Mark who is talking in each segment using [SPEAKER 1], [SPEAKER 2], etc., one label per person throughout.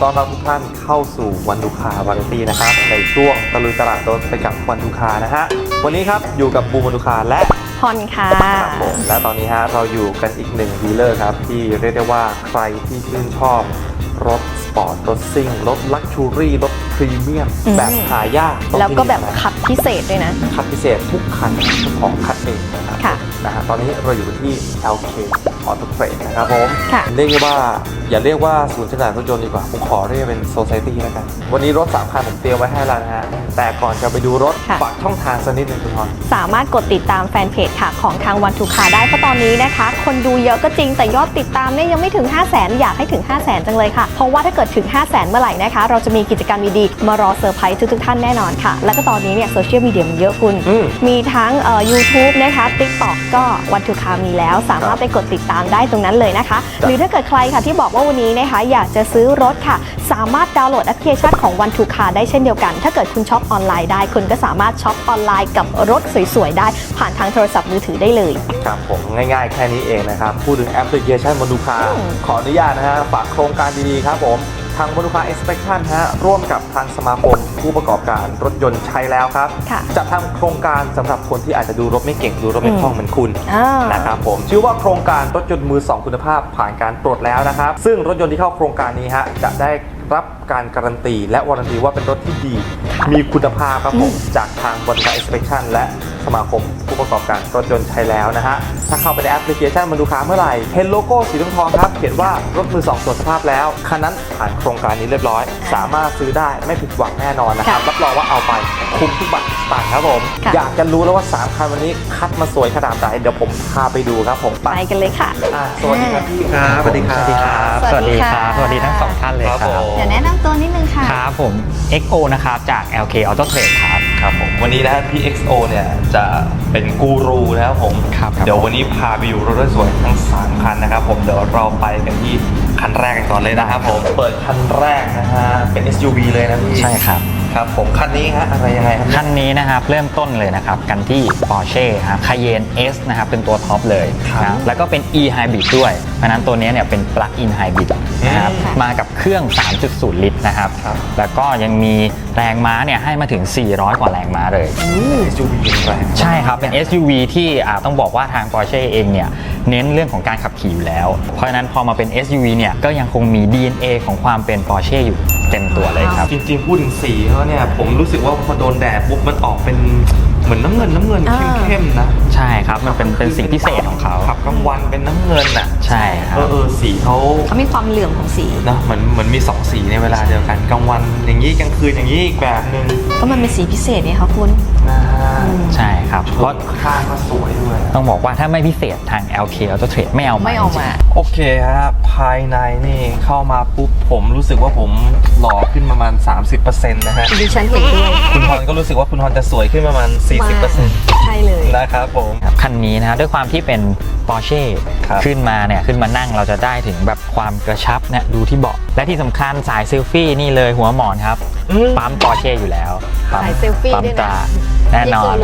[SPEAKER 1] ต้อนรับทุกท่านเข้าสู่วันดูคาวาไรตี้นะครับในช่วงตะลุยตลาดรถไปกับวันดูคานะฮะวันนี้ครับอยู่กับบูมวันดูคาและ
[SPEAKER 2] พรค่ะ
[SPEAKER 1] ครับผมและตอนนี้ฮะเราอยู่กันอีกหนึ่งดีลเลอร์ครับที่เรียกได้ว่าใครที่ชื่นชอบรถสปอร์ตรถซิ่งรถลักชูรี่รถพรีเมียมแบบหายาก
[SPEAKER 2] แล้วก็แบบคัดพิเศษด้วยนะ
[SPEAKER 1] คัดพิเศษทุกคันเจ้าของคัดเองนะครับนะฮะตอนนี้เราอยู่ที่ LK Auto Trade นะครับผมเรียกว่าอย่าเรียกว่าศูนย์จำหน่ายรถยนต์ดีกว่าผมขอเรียกเป็น Society แล้วกันวันนี้รถ3คันผมเตรียมไว้ให้แล้วนะฮะแต่ก่อนจะไปดูรถฝากช่องทางสักนิดนึงคุณพร
[SPEAKER 2] สามารถกดติดตามแฟนเพจค่ะของทางวันทูคาได้เพราะตอนนี้นะคะคนดูเยอะก็จริงแต่ยอดติดตามเนี่ยยังไม่ถึง 500,000 อยากให้ถึง 500,000 จังเลยค่ะเพราะว่าถ้าเกิดถึง 500,000 เมื่อไหร่นะคะเราจะมีกิจกรรมดีๆมารอเซอร์ไพรส์ทุกท่านแน่นอนค่ะแล้วก็ตอนนี้เนี่ยโซเชียลมีเดียมันเยอะคุณมีทั้งYouTube นะคะ TikTok ก็วันทูคามีแล้วสามารถไปกดติดตามได้ตรงนั้นเลยนะคะหรือถ้าเกิดใครค่ะที่บอกว่าวันนี้นะคะอยากจะซื้อรถค่ะสามารถดาวน์โหลดแอปพลิเคชันของวันทูคาได้เช่นเดียวกันถ้าเกิดคุณช็อปออนไลน์ได้คุณก็สามารถช็อปออนไลน์กับรถสวยๆได้ผ่านทางโทรศัพท์มือถือได้เลย
[SPEAKER 1] ครับผมง่ายๆแค่นี้เองนะครับพูดถึงแอปพลิเคชันวันทูคาขออนุญาตนะฮะฝากโครงการดีๆครับผมทางวันทูคาเอ็กซ์เพคชั่นฮะร่วมกับทางสมาคมผู้ประกอบการรถยนต์ใช้แล้วครับจะทำโครงการสำหรับคนที่อาจจะดูรถไม่เก่งดูรถไม่คล่องเหมือนคุณนะครับผมชื่อว่าโครงการรถยนต์มือ2คุณภาพผ่านการตรวจแล้วนะครับซึ่งรถยนต์ที่เข้าโครงการนี้ฮะจะได้รับการการันตีและวารันตีว่าเป็นรถที่ดีมีคุณภาพครับผมจากทางบริษัท Inspection และสมาคมผู้ประกอบการรถยนต์ใช้แล้วนะฮะถ้าเข้าไปในแอปพลิเคชันมันดูค้าเมื่อไหร่เห็นโลโก้สีทองครับเขียนว่ารถมือ2ตรวจสภาพแล้วคันนั้นผ่านโครงการนี้เรียบร้อยสามารถซื้อได้ไม่ผิดหวังแน่นอนนะครับรับรองว่าเอาไปคุ้มทุกบาททุกสตางค์ครับผมอยากจะรู้แล้วว่า3คันวันนี้คัดมาสวยขนาดไหนเดี๋ยวผมพาไปดูครับผม
[SPEAKER 2] ไปกันเลยค่ะ
[SPEAKER 1] สวัสดีครับพี่ครับสวัสดีครับ
[SPEAKER 3] สวัสดีครับสวัสดีทั้ง2ท่านเลยครับ
[SPEAKER 2] เดี๋ยวแนะนำตัวนิดนึงค่ะ
[SPEAKER 3] ครับผม XO นะครับจาก LK Auto Trade ครับ
[SPEAKER 1] ผมวันนี้นะพี่ XO เนี่ยจะเป็นกูรูนะครับผมเดี๋ยววันนี้พาไปอยู่รถสวยทั้ง3คันนะครับผมเดี๋ยวเราไปกันที่คันแรกกันก่อนเลยนะครับผมเปิดคันแรกนะฮะเป็น SUV เลยนะพี่
[SPEAKER 3] ใช่ครับ
[SPEAKER 1] ครับผมคันนี้ฮะอะไรยังไงครับ
[SPEAKER 3] คันนี้นะครับเริ่มต้นเลยนะครับกันที่ Porsche ครับ Cayenne S นะครับเป็นตัวท็อปเลยนะแล้วก็เป็น E Hybrid ด้วยเพราะนั้นตัวนี้เนี่ยเป็น Plug-in Hybrid นะครับมากับเครื่อง 3.0 ลิตรนะครับแล้วก็ยังมีแรงม้าเนี่ยให้มาถึง400กว่าแรงม้าเลย
[SPEAKER 1] SUV แรง
[SPEAKER 3] ใช่ครับเป็น SUV ที่ต้องบอกว่าทาง Porsche เองเนี่ยเน้นเรื่องของการขับขี่อยู่แล้วเพราะฉะนั้นพอมาเป็น SUV เนี่ยก็ยังคงมี DNA ของความเป็น Porsche อยู่เต็มตัวเลยครับ
[SPEAKER 1] จริงๆพูดถึงสีเขาเนี่ยผมรู้สึกว่าพอโดนแดดปุ๊บมันออกเป็นเหมือนน้ำเงินเข้มๆนะ
[SPEAKER 3] ใช่ครับมันเป็นสิ่งพิเศษของเขา
[SPEAKER 1] ขับกลางวันเป็นน้ำเงินอ่ะ
[SPEAKER 3] ใช่ครับ
[SPEAKER 1] สีเขา
[SPEAKER 2] มีความเหลื่อมของสี
[SPEAKER 1] นะเหมือนมี2สีในเวลาเดียวกันกลางวันอย่างนี้กลางคืนอย่างนี้อีกแบบนึง
[SPEAKER 2] ก็มันเป็นสีพิเศษเนี่ยครับคุณ
[SPEAKER 3] ใช่ครับ
[SPEAKER 1] เพราะข้างก็สวยด้วย
[SPEAKER 3] ต้องบอกว่าถ้าไม่พิเศษทาง LK Auto Trade ไม่เอามา
[SPEAKER 1] โอเคฮะภายในนี่เข้ามาปุ๊บผมรู้สึกว่าผมหล่อขึ้นประมาณ 30% นะฮะ
[SPEAKER 2] ดิฉันเห็นด้วย
[SPEAKER 1] คุณพรก็รู้สึกว่าคุณพรจะสวยขึ้นประมาณ 40%
[SPEAKER 2] ใช่เลย
[SPEAKER 1] นะครับผม
[SPEAKER 3] คันนี้นะด้วยความที่เป็น Porsche ขึ้นมานั่งเราจะได้ถึงแบบความกระชับเนี่ยดูที่เบาะและที่สำคัญสายเซลฟี่นี่เลยหัวหมอนครับปั๊ม Porsche อยู่แล้ว
[SPEAKER 2] สายเซลฟี่ด้วยนะ
[SPEAKER 3] แน่นอน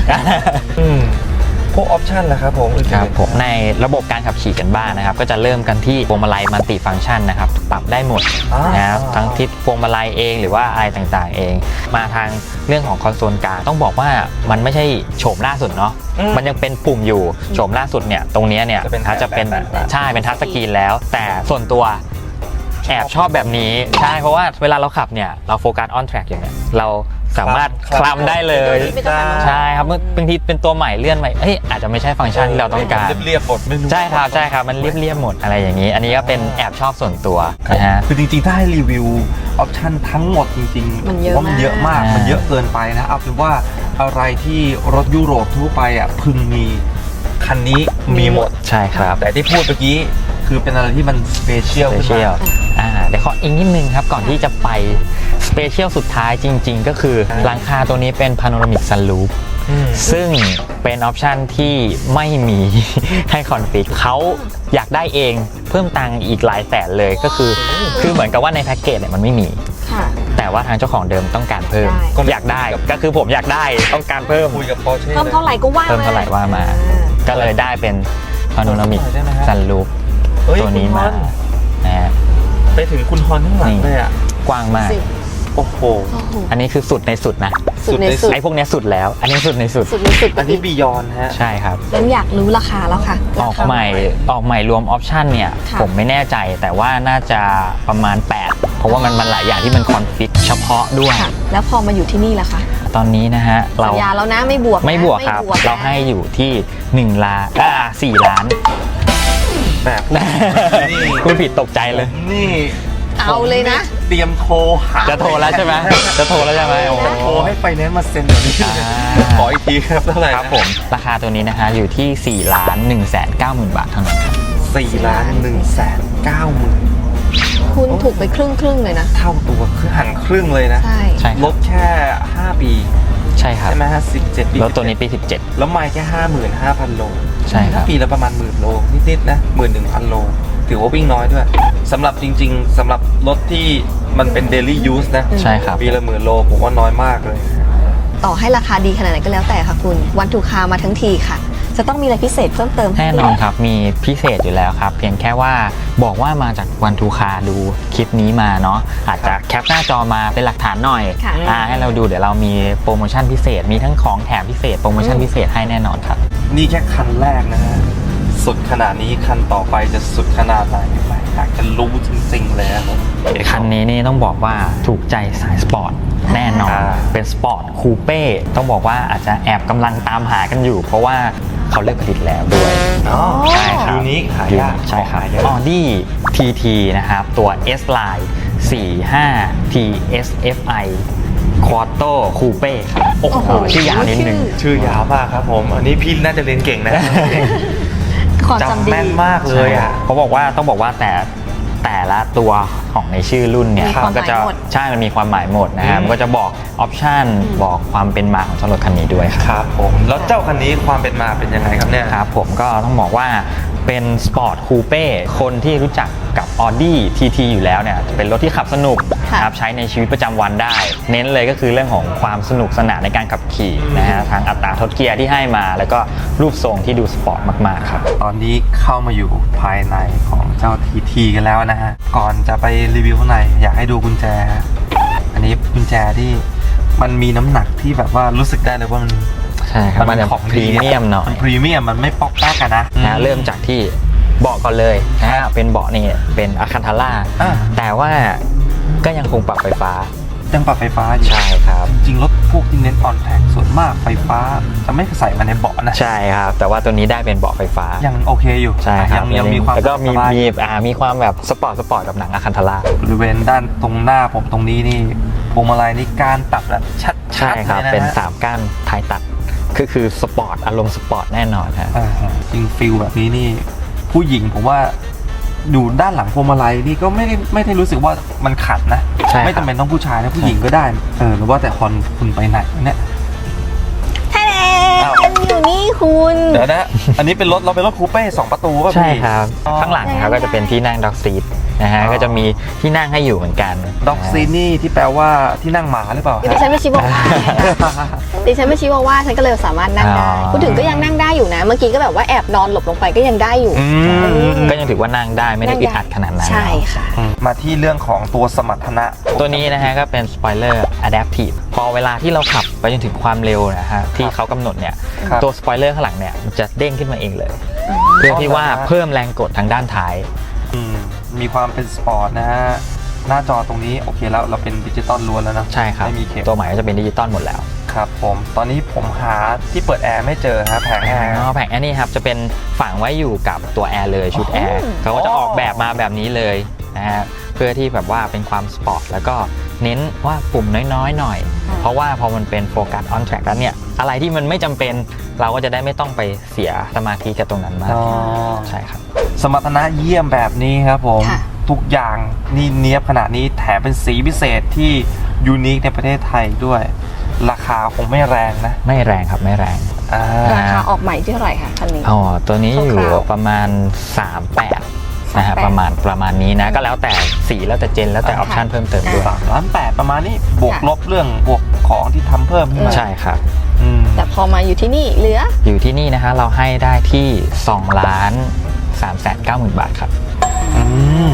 [SPEAKER 1] พวกออปชันล่ะครับผม
[SPEAKER 3] ครับผมในระบบการขับขี่กันบ้างนะครับก็จะเริ่มกันที่พวงมาลัยมัลติฟังก์ชันนะครับปรับได้หมดนะครับทั้งทิศพวงมาลัยเองหรือว่าอะไรต่างๆเองมาทางเรื่องของคอนโซลกลางต้องบอกว่ามันไม่ใช่โฉมล่าสุดเนาะมันยังเป็นปุ่มอยู่โฉมล่าสุดเนี่ยตรงนี้เนี่ยจะเป็นใช่เป็นทัชสกรีนแล้วแต่ส่วนตัวแอบชอบแบบนี้ใช่เพราะว่าเวลาเราขับเนี่ยเราโฟกัสออนแทร็กอย่างเนี้ยเราสามารถคลำได้เลยใช่ครับบางทีเป็นตัวใหม่เลื่อนใหม่อาจจะไม่ใช่ฟังก์ชันที่เราต้องการ
[SPEAKER 1] เรียบหมด
[SPEAKER 3] ใช่ครับมันเรียบหมดอะไรอย่างนี้อันนี้ก็เป็นแอบชอบส่วนตัวนะฮะ
[SPEAKER 1] คือจริงๆถ้าให้รีวิวออปชันทั้งหมดจริงๆว่ามันเยอะมากมันเยอะเกินไปนะเอาเป็นว่าอะไรที่รถยุโรปทั่วไปพึงมีคันนี้มีหมด
[SPEAKER 3] ใช่ครับ
[SPEAKER 1] แต่ที่พูดเมื่อกี้คือเป็นอะไรที่มันสเปเชียล
[SPEAKER 3] เดี๋ยวขออีกนิดนึงครับก่อนที่จะไปสเปเชียลสุดท้ายจริงๆก็คือหลังคาตัวนี้เป็นพาโนรามิกซันรูฟซึ่งเป็นออปชันที่ไม่มีให้คอนฟิกเขาอยากได้เองเพิ่มตังค์อีกหลายแสนเลยก็คือเหมือนกับว่าในแพ็กเกจเนี่ยมันไม่มีแต่ว่าทางเจ้าของเดิมต้องการเพิ่มอยากได้ก็คือผมอยากได้ต้องการเพิ่ม
[SPEAKER 1] คุยกับ Porsche
[SPEAKER 2] เพิ่มเท่าไหร่ก็ว่า
[SPEAKER 3] มาก็เลยได้เป็นพาโนรามิกซันรูฟตัวนี้มา
[SPEAKER 1] ไปถึงคุณฮอนข้างหลังเลยอ่ะ
[SPEAKER 3] กว้างมาก
[SPEAKER 2] สิ
[SPEAKER 1] โอ้โห
[SPEAKER 2] โอ้โห
[SPEAKER 3] อันนี้คือสุดในสุดนะ
[SPEAKER 2] สุดในสุด
[SPEAKER 3] ไอ้พวกเนี้ยสุดแล้ว อันนี้สุดในสุด
[SPEAKER 2] สุดในสุด
[SPEAKER 1] อันนี้บียอนฮะ
[SPEAKER 3] ใช่ครับ
[SPEAKER 2] งั้นอยากรู้ราคาแล้วค่ะ
[SPEAKER 3] ออกใหม่รวมออปชันเนี่ย
[SPEAKER 2] ค่ะ
[SPEAKER 3] ผมไม่แน่ใจแต่ว่าน่าจะประมาณ 8 เพราะว่ามันหลายอย่างที่มันคอนฟิกเฉพาะด้วย
[SPEAKER 2] ค่ะ แล้วพอมาอยู่ที่นี่ล่ะคะ
[SPEAKER 3] ตอนนี้นะฮะ เรา
[SPEAKER 2] สัญญาแล้วนะไม่บวกนะ
[SPEAKER 3] ไม่บวกครับ
[SPEAKER 2] ไม่นะ
[SPEAKER 3] เราให้อยู่ที่1 ล้าน4 ล้าน
[SPEAKER 1] แหมพูดนี่
[SPEAKER 3] คุณผิดตกใจเลย
[SPEAKER 1] นี่
[SPEAKER 2] เอาเลยนะ
[SPEAKER 1] เตรียมโทรหา
[SPEAKER 3] จะโทรแล้วใช่ไหมจะโทรแล้วใช่ไหมโอ้โห
[SPEAKER 1] โทรให้ไฟแนนซ์มาเซ็นเดี๋ยวนี้
[SPEAKER 3] อ่า
[SPEAKER 1] ขออีกทีครับเท่าไหร่
[SPEAKER 3] ครับผม ราคาตัวนี้นะฮะอยู่ที่ 4,190,000 บาทเท่านั้นครับ
[SPEAKER 1] 4,190,000
[SPEAKER 2] คุณถูกไปครึ่งเลยนะ
[SPEAKER 1] เท่าตัวคือหันครึ่งเลยนะ
[SPEAKER 2] ใช่
[SPEAKER 3] ใช่ค
[SPEAKER 1] ล
[SPEAKER 3] รับ
[SPEAKER 1] ดแค่ 5 ปี
[SPEAKER 3] ใช่ครับ
[SPEAKER 1] ใช่ไหมฮะ17 ปี
[SPEAKER 3] แล้วตัวนี้ปี
[SPEAKER 1] แล้วไม่แค่ 55,000 โล
[SPEAKER 3] ใช่ครับ
[SPEAKER 1] ปีละประมาณ10,000 โลนิดๆนะ 11,000 โล ถือว่าวิ่งน้อยด้วยสำหรับจริงๆสำหรับรถที่มันเป็น daily use นะ
[SPEAKER 3] 17 ใช่ครับ
[SPEAKER 1] ปีละ10,000 โลผมว่าน้อยมากเลย
[SPEAKER 2] ต่อให้ราคาดีขนาดไหนก็แล้วแต่ค่ะคุณวันทูคามาทั้งทีค่ะ จะต้องมีอะไรพิเศษเพิ่มเติมให้
[SPEAKER 3] แน่นอนครับ มีพิเศษอยู่แล้วครับ เพียงแค่ว่าบอกว่ามาจากวันทูคาดูคลิปนี้มาเนาะอาจจะแคปหน้าจอมาเป็นหลักฐานหน่อย
[SPEAKER 2] ค่ะ
[SPEAKER 3] ให้เราดูเดี๋ยวเรามีโปรโมชั่นพิเศษ มีทั้งของแถมพิเศษโปรโมชั่นพิเศษให้แน่นอนครับ
[SPEAKER 1] นี่แค่คันแรกนะฮะ สุดขนาดนี้คันต่อไปจะสุดขนาดไหนอยากจะรู้จริงๆเลยครับผม
[SPEAKER 3] คันนี้นี่ต้องบอกว่าถูกใจสายสปอร์ตแน่นอน เป็นสปอร์ตคูเป้ต้องบอกว่าอาจจะแอบกำลังตามหากันอยู่ เพราะว่าเขาเลิกผลิตแล้วด้วย
[SPEAKER 1] อ๋อ
[SPEAKER 3] ใช่ครับ
[SPEAKER 1] ยูนิคหายาก
[SPEAKER 3] ใช่ครับ
[SPEAKER 1] หายาก
[SPEAKER 3] Audi TT นะครับ ตัว S Line 45 TSFI Quattro Coupe ครับโอ้โห
[SPEAKER 2] โอ้โห
[SPEAKER 3] ชื่อยาวนิดนึง
[SPEAKER 1] ชื่อยาวมากครับผม อันนี้พี่น่าจะเรียนเก่งนะ
[SPEAKER 2] ความจำ
[SPEAKER 1] จำ
[SPEAKER 2] ดี
[SPEAKER 1] แม่นมากเลยอ่ะ
[SPEAKER 3] เขาบอกว่าต้องบอกว่าแต่ละตัวของในชื่อรุ่นเนี่ย
[SPEAKER 2] มีความ
[SPEAKER 3] มันก็จะ
[SPEAKER 2] หมายหมด
[SPEAKER 3] ใช่มันมีความหมายหมดนะฮะ
[SPEAKER 1] อืม
[SPEAKER 3] มันก็จะบอกออปชันบอกความเป็นมาของเจ้ารถคันนี้ด้วยครับ
[SPEAKER 1] ครับผม แล้วเจ้าคันนี้ความเป็นมาเป็นยังไงครับเนี่ย
[SPEAKER 3] ครับผมก็ต้องบอกว่าเป็นสปอร์ตคูเป้คนที่รู้จักกับ Audi TT อยู่แล้วเนี่ยจะเป็นรถที่ขับสนุก
[SPEAKER 2] ค่ะ
[SPEAKER 3] ครับใช้ในชีวิตประจำวันได้ เน้นเลยก็คือเรื่องของความสนุกสนานในการขับขี่นะฮะทางอัตราทดเกียร์ที่ให้มา แล้วก็รูปทรงที่ดูสปอร์ตมากๆครับ
[SPEAKER 1] ตอนนี้เข้ามาอยู่ภายในของเจ้า TT กันแล้วนะฮะ ก่อนจะไปรีวิวข้างในอยากให้ดูกุญแจฮะอันนี้กุญแจที่มันมีน้ำหนักที่แบบว่ารู้สึกได้เลยว่ามัน
[SPEAKER 3] ใช่ครับมันจะ
[SPEAKER 1] ของ
[SPEAKER 3] พรีเมียมหน่อย
[SPEAKER 1] พรีเมียมมันไม่ป๊อกแป๊กกันนะ
[SPEAKER 3] นะเริ่มจากที่เบาะก่อนเลยนะฮะเป็นเบาะนี่เป็นอะคันทาร่า
[SPEAKER 1] อ่ะ
[SPEAKER 3] แต่ว่าก็ยังคงปรับไฟฟ้า
[SPEAKER 1] ยังปรับไฟฟ้าอยู่
[SPEAKER 3] ใช่ครับ
[SPEAKER 1] จริงๆรถพวกที่เน้นออนแท็กส่วนมากไฟฟ้าจะไม่ใส่มาในเบาะนะ
[SPEAKER 3] ใช่ครับ แต่ว่าตัวนี้ได้เป็นเบาะไฟฟ้า
[SPEAKER 1] ยังโอเคอยู่
[SPEAKER 3] ใช่ครับ
[SPEAKER 1] ยังมีความ
[SPEAKER 3] แล้วก็มี
[SPEAKER 1] สบาย
[SPEAKER 3] มีความแบบสปอร์ตกับหนังอะคันทาร่า
[SPEAKER 1] บริเวณด้านตรงหน้าผมตรงนี้นี่พวงมาลัยนี่การตัดแบบชัดๆ
[SPEAKER 3] ใช่ครับ
[SPEAKER 1] ลยะฮะ
[SPEAKER 3] เป็น3ก้านท้ายตัดคือสปอร์ตอารมณ์สปอร์ตแน่นอนฮะ
[SPEAKER 1] อ่าฮะจริงฟิลแบบนี้นี่ ผู้หญิงผมว่าอยู่ด้านหลังพวงมาลัยนี่ก็ไม่ได้รู้สึกว่ามันขัดนะ
[SPEAKER 3] ใช่ครับ
[SPEAKER 1] ไม่จำเป็นต้องผู้ชายนะผู้หญิงก็ได้หรือว่าแต่คุณไปไหนเนี่ย
[SPEAKER 2] แท้
[SPEAKER 1] อ้าว
[SPEAKER 2] อยู่นี่คุณ
[SPEAKER 1] เดี๋ยวนะ อันนี้เป็นรถเราเป็นรถคูเป้2 ประตูป่ะพี่
[SPEAKER 3] ใช่ครับ
[SPEAKER 1] อ๋อ
[SPEAKER 3] ข้างหลังครับก็จะเป็นที่นั่งด็อกซีทนะฮะ
[SPEAKER 1] อ๋อ
[SPEAKER 3] ก็จะมีที่นั่งให้อยู่เหมือนกัน
[SPEAKER 1] ด็อกซีนี่ที่แปลว่าที่นั่งหมาหรือเปล่า
[SPEAKER 2] ดิฉันไม่ชิวาว่าดิฉันไม่ชิวาว่าฉันก็เลยสามารถนั่งได้
[SPEAKER 3] อ๋อ
[SPEAKER 2] พูดถึงก็ยังนั่งได้อยู่นะ เมื่อกี้ก็แบบว่าแอบนอนหลบลงไปก็ยังได้อยู่
[SPEAKER 1] อืม
[SPEAKER 3] ก็ยังถือว่านั่งได้ไม่ได้อึดอัดขนาดนั้น
[SPEAKER 2] ใช่ค่ะ
[SPEAKER 1] มาที่เรื่องของตัวสมรรถนะ
[SPEAKER 3] ตัวนี้นะฮะก็เป็นสปอยเลอร์ Adaptive พอเวลาที่เราขับไปจนถึงความเร็วนะฮะที่เขากำหนดเนี่ย
[SPEAKER 1] ครับ
[SPEAKER 3] ตัวสปอยเลอร์ข้างหลังเนี่ยมันจะเด้งขึ้นมาเองเลย เพื่อที่ว่าเพิ่มแรงกดทางด้านท้าย
[SPEAKER 1] มีความเป็นสปอร์ตนะฮะ หน้าจอตรงนี้โอเคแล้วเราเป็นดิจิตอลล้วนแล้วนะ
[SPEAKER 3] ใช่ครับ
[SPEAKER 1] ไม่มีเข็ม
[SPEAKER 3] ตัวใหม่ก็จะเป็นดิจิตอลหมดแล้ว
[SPEAKER 1] ครับผมตอนนี้ผมหาที่เปิดแอร์ไม่เจอฮะแผงแอร์
[SPEAKER 3] แผงอันนี้ครับจะเป็นฝังไว้อยู่กับตัวแอร์เลยชุดแอร์เขาก็จะออกแบบมาแบบนี้เลยนะฮะเพื่อที่แบบว่าเป็นความสปอร์ตแล้วก็เน้นว่าปุ่มน้อยๆหน่อย เพราะว่าพอมันเป็นโฟกัสออนแทร็กแล้วเนี่ยอะไรที่มันไม่จำเป็นเราก็จะได้ไม่ต้องไปเสียสมาธิกับตรงนั้นมาก
[SPEAKER 1] อ๋อ
[SPEAKER 3] ใช่ครับ
[SPEAKER 1] สมรรถนะเยี่ยมแบบนี้ครับผม
[SPEAKER 2] ค่ะ
[SPEAKER 1] ทุกอย่างนี่เนียบขนาดนี้แถมเป็นสีพิเศษที่ยูนิคในประเทศไทยด้วย ราคาคงไม่แรงนะ
[SPEAKER 3] ไม่แรงครับไม่แรง
[SPEAKER 1] อ่า
[SPEAKER 2] ราคาออกใหม่ที่เท่าไหร่คะคันนี้
[SPEAKER 3] อ๋อตัวนี้อยู่
[SPEAKER 2] คร่าวๆ
[SPEAKER 3] ประมาณ 38นะฮะ
[SPEAKER 2] 38
[SPEAKER 3] ประมาณนี้นะก็แล้วแต่สีแล้วแต่เจนแล้วแต่ออปชันเพิ่มเติมด้วย
[SPEAKER 1] 3,800,000ประมาณนี้บวก
[SPEAKER 2] ค่ะ
[SPEAKER 1] ลบเรื่องบวกของที่ทำเพิ่มขึ้นมา
[SPEAKER 3] ใช่ครับ
[SPEAKER 1] อืม
[SPEAKER 2] แต่พอมาอยู่ที่นี่เหลือ
[SPEAKER 3] อยู่ที่นี่นะคะเราให้ได้ที่2,390,000 บาทครับ
[SPEAKER 1] อืม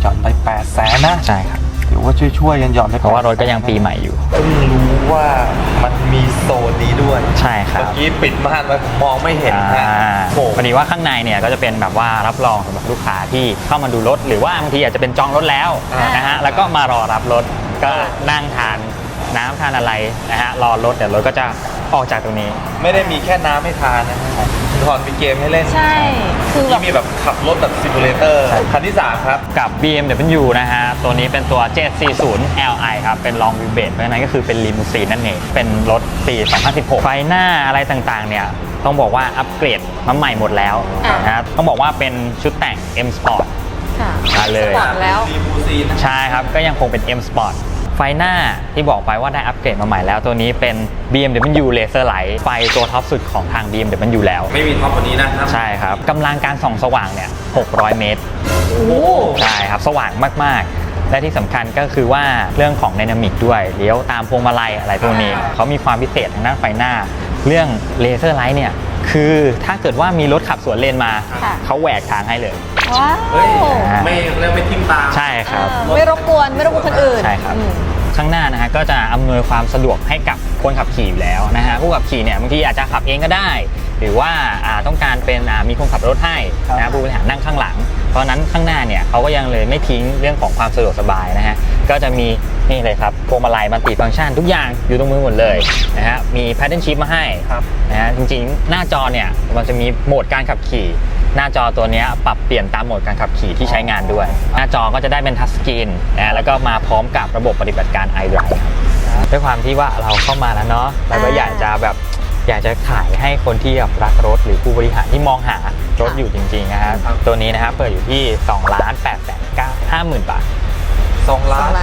[SPEAKER 1] หย่อนได้800,000นะ
[SPEAKER 3] ใช่ครับ
[SPEAKER 1] ถือว่าช่วยๆกันหย่อนได้
[SPEAKER 3] เพราะว่ารถก็ยังปีใหม่อยู่
[SPEAKER 1] เพิ่งรู้ว่ามันมีโซนนี้ด้วย
[SPEAKER 3] ใช่ครับ
[SPEAKER 1] เมื่อกี้ปิดม่านไว้ผมมองไม่เห็นนะโอ้
[SPEAKER 3] พอดีว่าข้างในเนี่ยก็จะเป็นแบบว่ารับรองสำหรับลูกค้าที่เข้ามาดูรถ หรือว่าบางทีอาจจะเป็นจองรถแล้วนะฮะแล้วก็มารอรับรถก็นั่งทานน้ำทานอะไรนะฮะรอรถเดี๋ยวรถก็จะออกจากตรงนี้
[SPEAKER 1] ไม่ได้มีแค่น้ำให้ทานนะทอนมีเกมให้เล่น
[SPEAKER 2] ใช่ คือแบบ
[SPEAKER 1] ที่มีแบบขับรถแบบซิมูเลเตอร์คันที่ 3 ครับ
[SPEAKER 3] กับ BMW นะฮะ ตัวนี้เป็นตัว 740 Li ครับ เป็น long wheelbase เพราะฉะนั้นก็คือเป็นลิมูซีนนั่นเอง เป็นรถปี 2016 ไฟหน้าอะไรต่างๆ เนี่ย ต้องบอกว่าอัปเกรดมาใหม่หมดแล้วนะฮะต้องบอกว่าเป็นชุดแต่ง M Sport
[SPEAKER 2] ค่ะ
[SPEAKER 3] มาเลย
[SPEAKER 2] สปอร์ตแล้ว
[SPEAKER 1] ลิมูซีนนะ
[SPEAKER 3] ใช่ครับ ก็ยังคงเป็น M Sport ไฟหน้าที่บอกไปว่าได้อัปเกรดมาใหม่แล้ว ตัวนี้เป็น BMW Laser Light ไฟตัวท็อปสุดของทาง BMW แล้ว
[SPEAKER 1] ไม่มีท็อปกว่านี้นะครับ
[SPEAKER 3] ใช่ครับกำลังการส่องสว่างเนี่ย 600 เมตร
[SPEAKER 1] โอ้โห
[SPEAKER 3] ใช่ครับ สว่างมาก ๆ และที่สำคัญก็คือว่าเรื่องของไดนามิกด้วยเลี้ยวตามพวงมาลัยอะไรพวกนี้เขามีความพิเศษทางด้านไฟหน้า เรื่องเลเซอร์ไลท์เนี่ยคือถ้าเกิดว่ามีรถขับสวนเลนมา
[SPEAKER 2] ค่ะ
[SPEAKER 3] เขาแหวกทางให้เลย
[SPEAKER 2] ว้าว
[SPEAKER 1] เฮ้ยไม่เรียกไม่ทิ่มตา
[SPEAKER 3] ใช่ครับ
[SPEAKER 2] ไม่รบกวนคนอื่น
[SPEAKER 3] ใช่ครับ
[SPEAKER 2] อืม
[SPEAKER 3] ข้างหน้านะฮะก็จะอำนวยความสะดวกให้กับคนขับขี่อยู่แล้วนะฮะผู้ขับขี่เนี่ยบางทีอาจจะขับเองก็ได้ หรือว่าต้องการเป็นมีคนขับรถให้นะผู้บริหารนั่งข้างหลัง เพราะฉะนั้นข้างหน้าเนี่ยเขาก็ยังเลยไม่ทิ้งเรื่องของความสะดวกสบายนะฮะก็จะมีนี่เลยครับพวงมาลัยมัลติฟังก์ชันทุกอย่างอยู่ตรงมือหมดเลยนะฮะมี Paddle Shift มาให้
[SPEAKER 1] ครับ
[SPEAKER 3] นะฮะจริงๆหน้าจอเนี่ยมันจะมีโหมดการขับขี่ หน้าจอตัวเนี้ยปรับเปลี่ยนตามโหมดการขับขี่ที่ใช้งานด้วย หน้าจอก็จะได้เป็นทัชสกรีนนะแล้วก็มาพร้อมกับระบบปฏิบัติการ iDrive ครับด้วยความที่ว่าเราเข้ามาแล้วเนาะเราก็อยากจะขายให้คนที่แบบรักรถหรือผู้บริหารที่มองหารถอยู่จริงๆนะครับตัวนี้นะครับเปิดอยู่ที่ 2,850,000 บาท
[SPEAKER 1] 2 ล้าน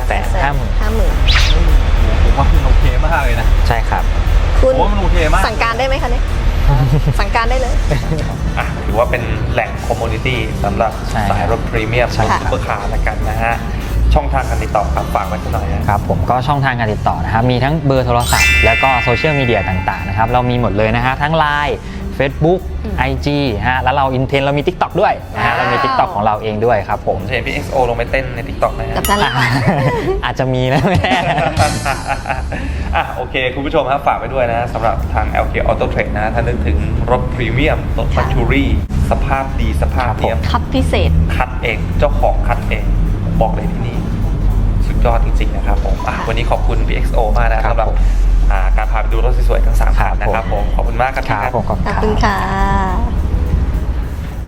[SPEAKER 3] 2,850,000
[SPEAKER 1] ผมว่ามันโอเคมากเลยนะ
[SPEAKER 3] ใช่ครับ
[SPEAKER 2] คุณ
[SPEAKER 1] ผมว่ามันโอเคมาก
[SPEAKER 2] สั่งการได้ไหมคะเนี่ย สั่งการได้เลย
[SPEAKER 1] อ่ะถือว่าเป็นแหล่งคอมมูนิตี้สำหรับ
[SPEAKER 3] ใช่
[SPEAKER 1] สายรถพรีเมียม
[SPEAKER 3] ใช่
[SPEAKER 1] ซุปเปอร์คาร์ละกันนะฮะ ช่องทางการติดต่อครับฝากไว้สักหน่อยฮะ
[SPEAKER 3] ครับผมก็ช่องทางการติดต่อนะครับมีทั้งเบอร์โทรศัพท์แล้วก็โซเชียลมีเดียต่างๆนะครับเรามีหมดเลยนะฮะทั้ง Line Facebook IG ฮะแล้วเราอินเทนเรามี TikTok ด้วยนะฮะเรามี TikTok ของเราเองด้วยครับผม
[SPEAKER 1] ผมจะเห็นพี่ XO ลงไปเต้นใน TikTok นะฮะ
[SPEAKER 2] กับนั่นแหละ
[SPEAKER 3] อาจจะมีนะแม่
[SPEAKER 1] อ่ะโอเค คุณผู้ชมครับฝากไปด้วยนะสำหรับทาง LK Auto Trade นะถ้านึกถึงรถพรีเมียมรถ
[SPEAKER 2] ค่ะ
[SPEAKER 1] ลักชัวรี่สภาพดีสภาพเนียม
[SPEAKER 2] คัดพิเศษ
[SPEAKER 1] คัดเองเจ้าของคัดเองผมบอกเลยที่นี่ สุดยอดจริงๆนะครับผมวันนี้ขอบคุณพี่ XO มากนะครับ สำหรับการพาไปดูรถสวยๆทั้ง3คันนะครับผมขอบคุณมากครับ
[SPEAKER 3] ครับผมขอบคุณ
[SPEAKER 2] ขอบ
[SPEAKER 3] ครับ
[SPEAKER 2] คุณค่ะ